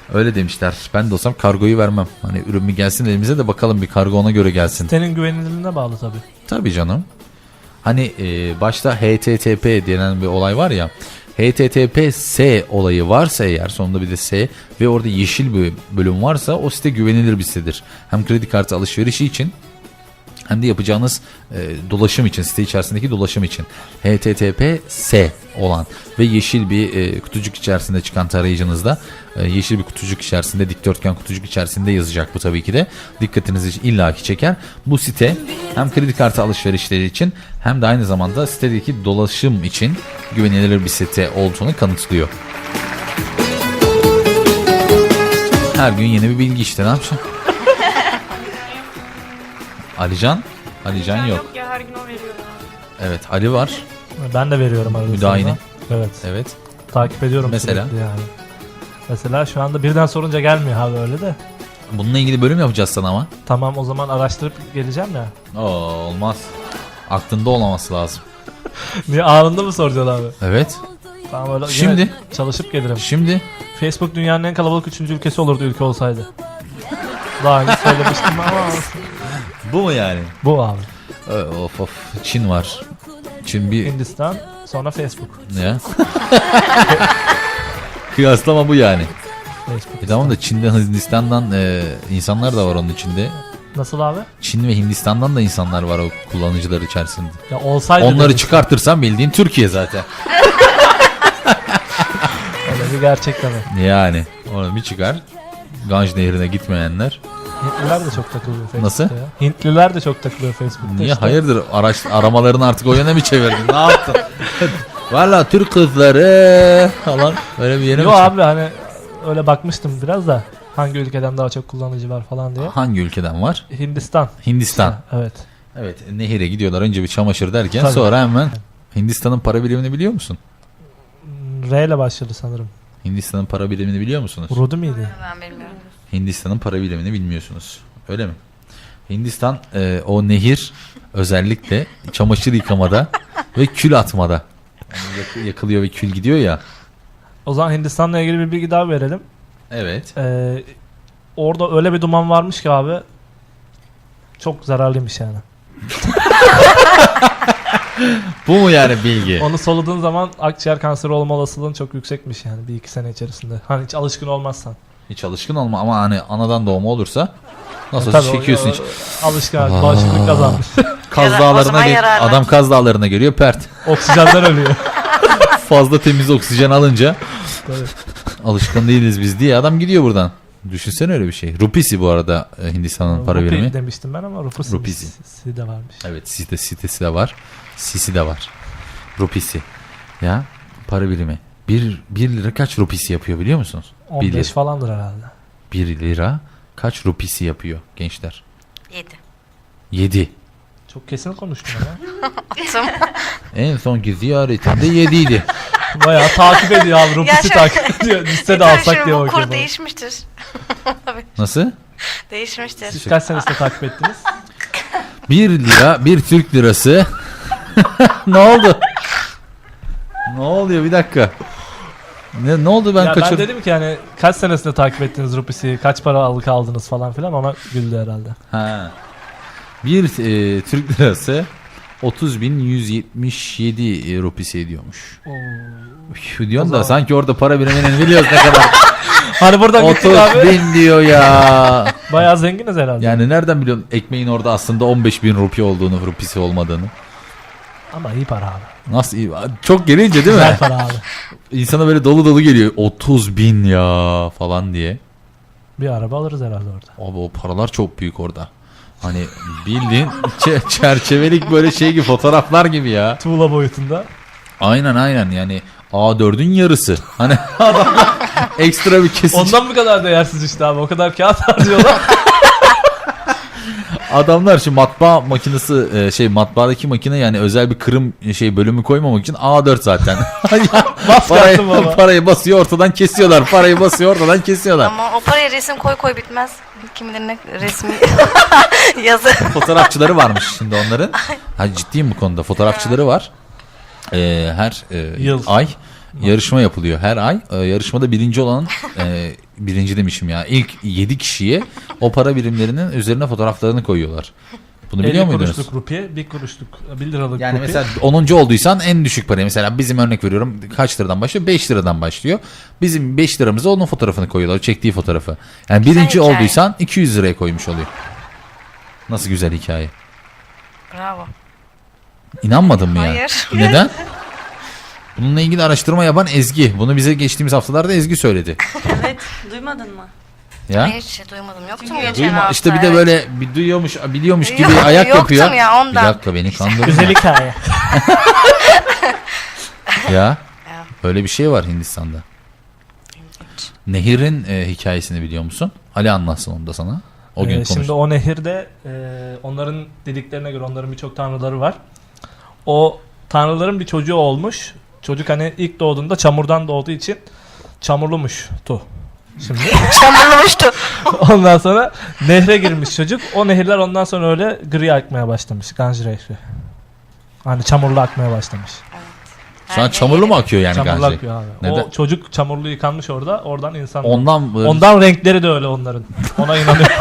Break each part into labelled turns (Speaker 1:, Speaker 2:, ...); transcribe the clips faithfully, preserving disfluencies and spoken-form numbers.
Speaker 1: Öyle demişler. Ben de olsam kargoyu vermem. Hani ürün mü gelsin elimize de bakalım bir kargo ona göre gelsin.
Speaker 2: Sitenin güvenilirliğine bağlı tabii.
Speaker 1: Tabii canım. Hani e, başta H T T P denen bir olay var ya. H T T P S olayı varsa eğer, sonunda bir de S ve orada yeşil bir bölüm varsa o site güvenilir bir sitedir. Hem kredi kartı alışverişi için hem de yapacağınız e, dolaşım için, site içerisindeki dolaşım için H T T P S olan ve yeşil bir e, kutucuk içerisinde çıkan tarayıcınızda e, yeşil bir kutucuk içerisinde, dikdörtgen kutucuk içerisinde yazacak bu tabii ki de. Dikkatinizi illaki çeker. Bu site hem kredi kartı alışverişleri için hem de aynı zamanda sitedeki dolaşım için güvenilir bir site olduğunu kanıtlıyor. Her gün yeni bir bilgi işte, ne yapacağım? Alican? Alican yok.
Speaker 3: Yok ya, her gün o veriyor.
Speaker 1: Evet, Ali var.
Speaker 2: Ben de veriyorum arada.
Speaker 1: Müdahale.
Speaker 2: Evet.
Speaker 1: Evet.
Speaker 2: Takip ediyorum
Speaker 1: Mesela?
Speaker 2: sürekli yani. Mesela şu anda birden sorunca gelmiyor abi, öyle de.
Speaker 1: Bununla ilgili bölüm yapacağız sana ama.
Speaker 2: Tamam, o zaman araştırıp geleceğim ya.
Speaker 1: Oo, olmaz. Aklında olmaması lazım.
Speaker 2: Niye, anında mı soracaksın abi?
Speaker 1: Evet.
Speaker 2: Tamam, öyle
Speaker 1: Şimdi?
Speaker 2: yine çalışıp gelirim.
Speaker 1: Şimdi
Speaker 2: Facebook dünyanın en kalabalık üçüncü ülkesi olurdu ülke olsaydı. Daha önce söylemiştim ama
Speaker 1: bu mu yani?
Speaker 2: bu abi.
Speaker 1: Ö, Of of. Çin var. Çin bir
Speaker 2: Hindistan, sonra Facebook.
Speaker 1: ne? Kıyaslama bu yani.
Speaker 2: Facebook.
Speaker 1: E tamam da Çin'den, Hindistan'dan e, insanlar da var onun içinde.
Speaker 2: Nasıl abi?
Speaker 1: Çin ve Hindistan'dan da insanlar var o kullanıcılar içerisinde.
Speaker 2: Ya olsaydı
Speaker 1: Onları
Speaker 2: demiştim.
Speaker 1: çıkartırsan bildiğin Türkiye zaten.
Speaker 2: Öyle bir gerçek tabii.
Speaker 1: Yani onu bir çıkar. Ganj Nehri'ne gitmeyenler.
Speaker 2: Hintliler de çok takılıyor Facebook'ta.
Speaker 1: Nasıl?
Speaker 2: Ya. Hintliler de çok takılıyor Facebook'ta.
Speaker 1: Niye?
Speaker 2: işte.
Speaker 1: Hayırdır? Araç aramalarını artık o yöne mi çevirdin? Ne yaptın? Valla Türk kızları falan. Böyle bir yere
Speaker 2: Yo
Speaker 1: mi çevirdin?
Speaker 2: abi, hani öyle bakmıştım biraz da hangi ülkeden daha çok kullanıcı var falan diye.
Speaker 1: Hangi ülkeden var?
Speaker 2: Hindistan.
Speaker 1: Hindistan.
Speaker 2: Evet.
Speaker 1: Evet, nehire gidiyorlar. Önce bir çamaşır derken
Speaker 2: Tabii.
Speaker 1: sonra hemen Hindistan'ın para birimini biliyor musun?
Speaker 2: R ile başladı sanırım.
Speaker 1: Hindistan'ın para birimini biliyor musunuz?
Speaker 2: Rudu miydi?
Speaker 3: Ben bilmiyorum.
Speaker 1: Hindistan'ın para birimini bilmiyorsunuz. Öyle mi? Hindistan e, o nehir özellikle çamaşır yıkamada ve kül atmada. Yani yak- yakılıyor ve kül gidiyor ya.
Speaker 2: O zaman Hindistan'la ilgili bir bilgi daha verelim.
Speaker 1: Evet.
Speaker 2: Ee, orada öyle bir duman varmış ki abi, çok zararlıymış yani.
Speaker 1: Bu mu yani bilgi?
Speaker 2: Onu soluduğun zaman akciğer kanseri olma olasılığın çok yüksekmiş yani bir iki sene içerisinde. Hani hiç alışkın olmazsan.
Speaker 1: Hiç alışkın olma ama hani anadan doğma olursa nasıl
Speaker 2: Tabii o-
Speaker 1: çekiyorsun
Speaker 2: o-
Speaker 1: hiç.
Speaker 2: Alışkın, bağışıklık kazanmış.
Speaker 1: Kaz
Speaker 3: Yara- o
Speaker 1: dağlarına
Speaker 3: zaman
Speaker 1: gel-
Speaker 3: yararlı.
Speaker 1: adam Kaz dağlarına geliyor pert.
Speaker 2: Oksijenden ölüyor.
Speaker 1: Fazla temiz oksijen alınca
Speaker 2: Tabii.
Speaker 1: alışkın değiliz biz diye adam gidiyor buradan. Düşünsene öyle bir şey. Rupisi bu arada e, Hindistan'ın para
Speaker 2: Rupi
Speaker 1: birimi.
Speaker 2: demiştim ben ama Rupisi
Speaker 1: Rupisi.
Speaker 2: de varmış.
Speaker 1: Evet, site, sitesi de var. Sisi de var. Rupisi. Ya para birimi. Bir, bir lira kaç rupisi yapıyor biliyor musunuz?
Speaker 2: on
Speaker 1: Bir
Speaker 2: beş
Speaker 1: lira.
Speaker 2: falandır herhalde.
Speaker 1: Bir lira kaç rupisi yapıyor gençler?
Speaker 3: Yedi.
Speaker 1: Yedi.
Speaker 2: Çok kesin konuştun ama.
Speaker 1: En sonki ziyaretinde yediydi.
Speaker 2: Bayağı takip ediyor abi. Rupisi
Speaker 3: Ya şöyle-
Speaker 2: takip ediyor. Liste de
Speaker 3: Tabii
Speaker 2: alsak
Speaker 3: şimdi
Speaker 2: diye
Speaker 3: bu
Speaker 2: bakıyor.
Speaker 3: kur değişmiştir.
Speaker 1: Nasıl?
Speaker 3: Değişmiştir.
Speaker 2: Siz kaç senesinde takip ettiniz?
Speaker 1: Bir lira, bir Türk lirası. Ne oldu? Ne oluyor bir dakika. Ne, ne oldu ben
Speaker 2: ya ben
Speaker 1: kaçırdım.
Speaker 2: dedim ki hani kaç senesinde takip ettiniz Rupisi'yi, kaç para alık aldınız falan filan, ona güldü herhalde.
Speaker 1: Ha. Bir e, Türk lirası otuz bin yüz yetmiş yedi rupisi ediyormuş. Üf, diyorsun
Speaker 2: O
Speaker 1: da
Speaker 2: zaman-
Speaker 1: sanki orada para biriminin biliyoruz ne kadar.
Speaker 2: Hani buradan gittik
Speaker 1: otuz
Speaker 2: abi.
Speaker 1: bin diyor ya.
Speaker 2: Bayağı zenginiz herhalde.
Speaker 1: Yani nereden biliyorsun ekmeğin orada aslında on beş bin rupi olduğunu, rupisi olmadığını.
Speaker 2: Ama iyi para abi.
Speaker 1: Nasıl iyi? Çok gelince değil mi?
Speaker 2: Güzel para abi.
Speaker 1: İnsana böyle dolu dolu geliyor. otuz bin ya falan diye.
Speaker 2: Bir araba alırız herhalde orada.
Speaker 1: Abi o paralar çok büyük orada. Hani bildiğin çe- çerçevelik böyle şey gibi, fotoğraflar gibi ya.
Speaker 2: Tuğla boyutunda.
Speaker 1: Aynen aynen yani A dördün yarısı. Hani adamlar ekstra bir kesici.
Speaker 2: Ondan bu kadar değersiz işte abi. O kadar kağıt harcıyorlar.
Speaker 1: Adamlar şu matbaa makinesi e, şey matbaadaki makine yani özel bir kırım şey bölümü koymamak için A dört zaten.
Speaker 2: Bas
Speaker 1: parayı,
Speaker 2: kartı baba.
Speaker 1: parayı basıyor ortadan kesiyorlar. Parayı basıyor ortadan kesiyorlar.
Speaker 3: Ama o paraya resim koy koy bitmez. Kim bilir ne resmi yazı.
Speaker 1: Fotoğrafçıları varmış şimdi onların. Ha, ciddiyim bu konuda. Fotoğrafçıları var. Ee, her e,
Speaker 2: Yıl.
Speaker 1: ay yarışma yapılıyor her ay. Ee, yarışmada birinci olan e, birinci demişim ya ilk yedi kişiye o para birimlerinin üzerine fotoğraflarını koyuyorlar. Bunu biliyor
Speaker 2: elli
Speaker 1: muydunuz?
Speaker 2: kuruşluk rupiye, bir kuruşluk, bir liralık
Speaker 1: Yani
Speaker 2: rupiye.
Speaker 1: mesela onuncu olduysan en düşük parayı mesela bizim örnek veriyorum kaç liradan başlıyor? beş liradan başlıyor. Bizim beş liramıza onun fotoğrafını koyuyorlar. Çektiği fotoğrafı. Yani
Speaker 3: Güzel
Speaker 1: birinci
Speaker 3: hikaye.
Speaker 1: olduysan iki yüz liraya koymuş oluyor. Nasıl güzel hikaye.
Speaker 3: Bravo.
Speaker 1: İnanmadın mı ya?
Speaker 3: Hayır.
Speaker 1: Neden? Bununla ilgili araştırma yapan Ezgi. Bunu bize geçtiğimiz haftalarda Ezgi söyledi.
Speaker 4: Evet, duymadın mı?
Speaker 1: Ya.
Speaker 3: Hayır hiç duymadım. Yoktu mu
Speaker 4: Çünkü
Speaker 3: geçen
Speaker 1: Duyma,
Speaker 3: hafta?
Speaker 1: işte bir de
Speaker 3: Evet.
Speaker 1: böyle bir duyuyormuş, biliyormuş gibi
Speaker 3: Yok,
Speaker 1: ayak
Speaker 3: yoktum
Speaker 1: yapıyor.
Speaker 3: ya, ondan.
Speaker 1: Bir dakika beni kandırma.
Speaker 2: Güzel hikaye.
Speaker 1: Ya. Öyle bir şey var Hindistan'da. Nehir'in e, hikayesini biliyor musun? Ali anlatsın onu da sana. O gün
Speaker 2: Ee,
Speaker 1: konuştuk.
Speaker 2: şimdi o nehirde e, onların dediklerine göre onların birçok tanrıları var. O tanrıların bir çocuğu olmuş. Çocuk hani ilk doğduğunda çamurdan doğduğu için çamurlumuş tu. Şimdi
Speaker 3: Çamurlamıştı.
Speaker 2: ondan sonra nehre girmiş çocuk. O nehirler ondan sonra öyle gri akmaya başlamış. Ganj Nehri. Hani çamurlu akmaya başlamış.
Speaker 1: Şu an çamurlu mu akıyor yani
Speaker 2: Çamurlu
Speaker 1: Ganj?
Speaker 2: akıyor abi.
Speaker 1: Neden?
Speaker 2: O çocuk çamurlu yıkanmış orada. Oradan insan.
Speaker 1: Ondan böyle...
Speaker 2: Ondan renkleri de öyle onların. Ona inanıyorum.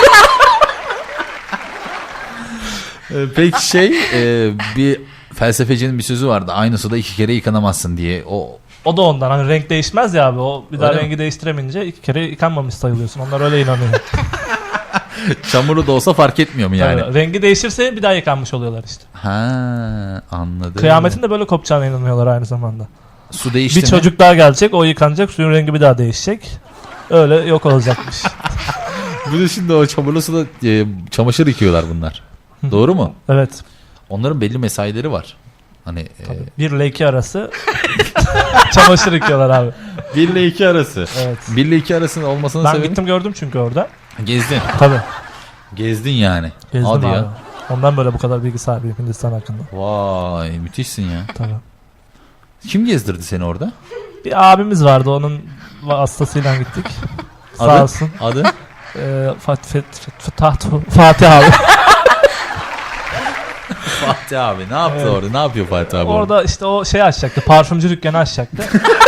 Speaker 1: Ee, Peki şey e, bir felsefecinin bir sözü vardı. Aynısı da iki kere yıkanamazsın diye. O
Speaker 2: O da ondan. Hani renk değişmez ya abi. O bir daha
Speaker 1: Öyle mi?
Speaker 2: rengi değiştiremeyince iki kere yıkanmamış sayılıyorsun. Onlar öyle inanıyor.
Speaker 1: çamurlu da olsa fark etmiyor mu yani?
Speaker 2: Tabii. Rengi değişirse bir daha yıkanmış oluyorlar işte.
Speaker 1: Ha, anladım.
Speaker 2: Kıyametin de böyle kopacağına inanıyorlar aynı zamanda.
Speaker 1: Su değişti
Speaker 2: Bir
Speaker 1: mi?
Speaker 2: çocuk daha gelecek, o yıkanacak, suyun rengi bir daha değişecek. Öyle yok olacakmış.
Speaker 1: Bir de şimdi o çamurlu suda e, çamaşır yıkıyorlar bunlar. Doğru mu?
Speaker 2: Evet.
Speaker 1: Onların belli mesaileri var. Hani e,
Speaker 2: Bir ile iki arası çamaşır yıkıyorlar abi.
Speaker 1: bir ile iki arası.
Speaker 2: Evet.
Speaker 1: bir ile iki arasının olmasının
Speaker 2: Ben
Speaker 1: sebebi
Speaker 2: gittim gördüm çünkü orada.
Speaker 1: gezdin.
Speaker 2: Tabii.
Speaker 1: Gezdin yani.
Speaker 2: Gezdim
Speaker 1: Hadi
Speaker 2: abi.
Speaker 1: ya.
Speaker 2: Ondan böyle bu kadar bilgi sahibiyim Hindistan hakkında.
Speaker 1: Vay müthişsin ya.
Speaker 2: Tabii.
Speaker 1: Kim gezdirdi seni orada?
Speaker 2: Bir abimiz vardı, onun vasıtasıyla gittik. Sağ
Speaker 1: Adı?
Speaker 2: olsun.
Speaker 1: Adı?
Speaker 2: Ee, Fat, Fat, Fat, Fat, Fatih abi.
Speaker 1: Fatih abi. Ne yaptı
Speaker 2: Evet.
Speaker 1: orada? Ne yapıyor Fatih abi? orada?
Speaker 2: Orada işte o şey açacaktı. Parfümcü dükkanı açacaktı.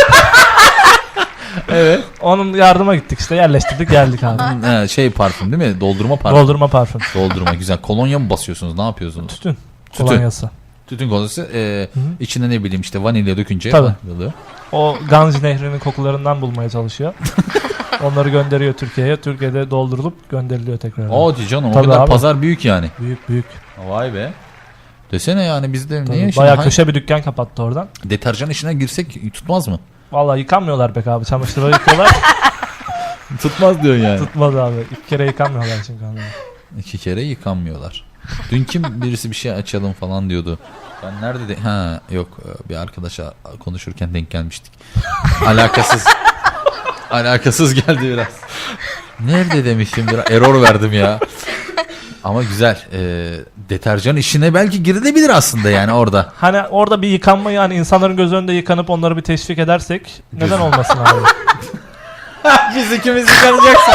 Speaker 1: Evet.
Speaker 2: Onun yardıma gittik işte, yerleştirdik geldik abi.
Speaker 1: Ha, şey parfüm değil mi? Doldurma parfüm.
Speaker 2: Doldurma parfüm.
Speaker 1: Doldurma güzel. Kolonya mı basıyorsunuz? Ne yapıyorsunuz?
Speaker 2: Tütün.
Speaker 1: Tütün.
Speaker 2: Kolonyası.
Speaker 1: Tütün kolonyası. E,
Speaker 2: Hı hı.
Speaker 1: içine ne bileyim işte vanilya dökünce.
Speaker 2: Tabii.
Speaker 1: oluyor.
Speaker 2: O Ganj Nehri'nin kokularından bulmaya çalışıyor. Onları gönderiyor Türkiye'ye. Türkiye'de doldurulup gönderiliyor tekrar.
Speaker 1: Hadi canım o
Speaker 2: Tabii
Speaker 1: kadar
Speaker 2: abi.
Speaker 1: pazar büyük yani.
Speaker 2: Büyük büyük.
Speaker 1: Vay be. Desene yani bizde
Speaker 2: Tabii.
Speaker 1: niye şimdi
Speaker 2: Bayağı
Speaker 1: hangi-
Speaker 2: köşe bir dükkan kapattı oradan.
Speaker 1: deterjan işine girsek tutmaz mı?
Speaker 2: Vallahi yıkanmıyorlar pek abi. Çamaşırları yıkıyorlar.
Speaker 1: Tutmaz diyorsun yani.
Speaker 2: Tutmaz abi. İki kere yıkanmıyorlar çünkü onlar.
Speaker 1: İki kere yıkanmıyorlar. Dün kim birisi bir şey açalım falan diyordu. Ben nerede de ha yok bir arkadaşa konuşurken denk gelmiştik. Alakasız. Alakasız geldi biraz. Nerede demiştim biraz error verdim ya. Ama güzel. E, deterjan işine belki girilebilir aslında yani orada.
Speaker 2: Hani orada bir yıkanma, yani insanların göz önünde yıkanıp onları bir teşvik edersek neden olmasın abi?
Speaker 1: Biz ikimiz yıkanacaksak.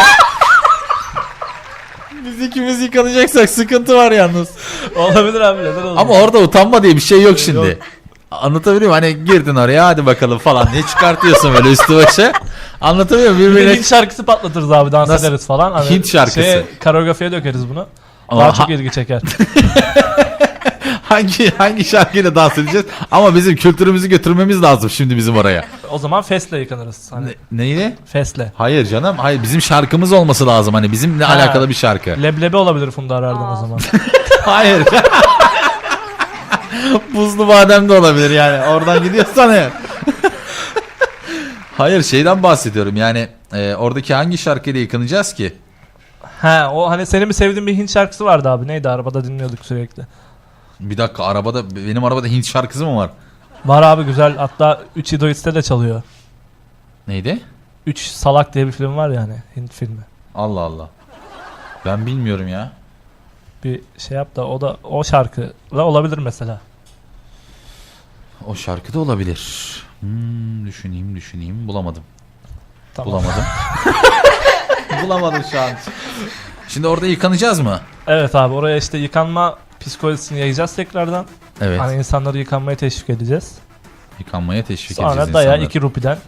Speaker 1: Biz ikimiz yıkanacaksak sıkıntı var yalnız.
Speaker 2: Olabilir abi, neden olmasın?
Speaker 1: Ama orada utanma diye bir şey yok şimdi.
Speaker 2: Yok.
Speaker 1: Anlatabiliyor muyum? Hani girdin oraya hadi bakalım falan diye çıkartıyorsun böyle üstü başı. Anlatabiliyor muyum?
Speaker 2: Bir de
Speaker 1: Birbirine...
Speaker 2: Hint şarkısı patlatırız abi, dans
Speaker 1: Nasıl?
Speaker 2: ederiz falan. Hani
Speaker 1: Hint şarkısı.
Speaker 2: Şeye, koreografiye dökeriz bunu.
Speaker 1: Ama
Speaker 2: Daha
Speaker 1: ha-
Speaker 2: çok ilgi çeker.
Speaker 1: hangi hangi şarkıyla dans edeceğiz? Ama bizim kültürümüzü götürmemiz lazım şimdi bizim oraya.
Speaker 2: O zaman fesle yıkanırız. Hani
Speaker 1: Ne, neyle?
Speaker 2: fesle.
Speaker 1: Hayır canım. Hayır bizim şarkımız olması lazım. Hani bizimle
Speaker 2: Ha.
Speaker 1: alakalı bir şarkı.
Speaker 2: Leblebi olabilir Funda Arar'dan o zaman.
Speaker 1: Hayır. Buzlu badem de olabilir yani. Oradan gidiyorsan eğer. Hayır şeyden bahsediyorum. Yani e, oradaki hangi şarkıyla yıkanacağız ki?
Speaker 2: Ha, o hani senin bir sevdiğin bir Hint şarkısı vardı abi. Neydi, arabada dinliyorduk sürekli.
Speaker 1: Bir dakika arabada benim arabada Hint şarkısı mı var?
Speaker 2: Var abi, güzel. Hatta üç Idoits'te de çalıyor.
Speaker 1: Neydi?
Speaker 2: üç Salak diye bir film var yani, Hint filmi.
Speaker 1: Allah Allah. Ben bilmiyorum ya.
Speaker 2: Bir şey yap da o da o şarkıyla olabilir mesela.
Speaker 1: O şarkı da olabilir. Hmm, düşüneyim düşüneyim bulamadım.
Speaker 2: Tamam.
Speaker 1: Bulamadım. Bulamadım şu an. Şimdi orada yıkanacağız mı?
Speaker 2: Evet abi, oraya işte yıkanma psikolojisini yayacağız tekrardan.
Speaker 1: Evet.
Speaker 2: Hani insanları yıkanmaya teşvik edeceğiz.
Speaker 1: Yıkanmaya teşvik edeceğiz
Speaker 2: Sonra daya
Speaker 1: insanları.
Speaker 2: iki rupiden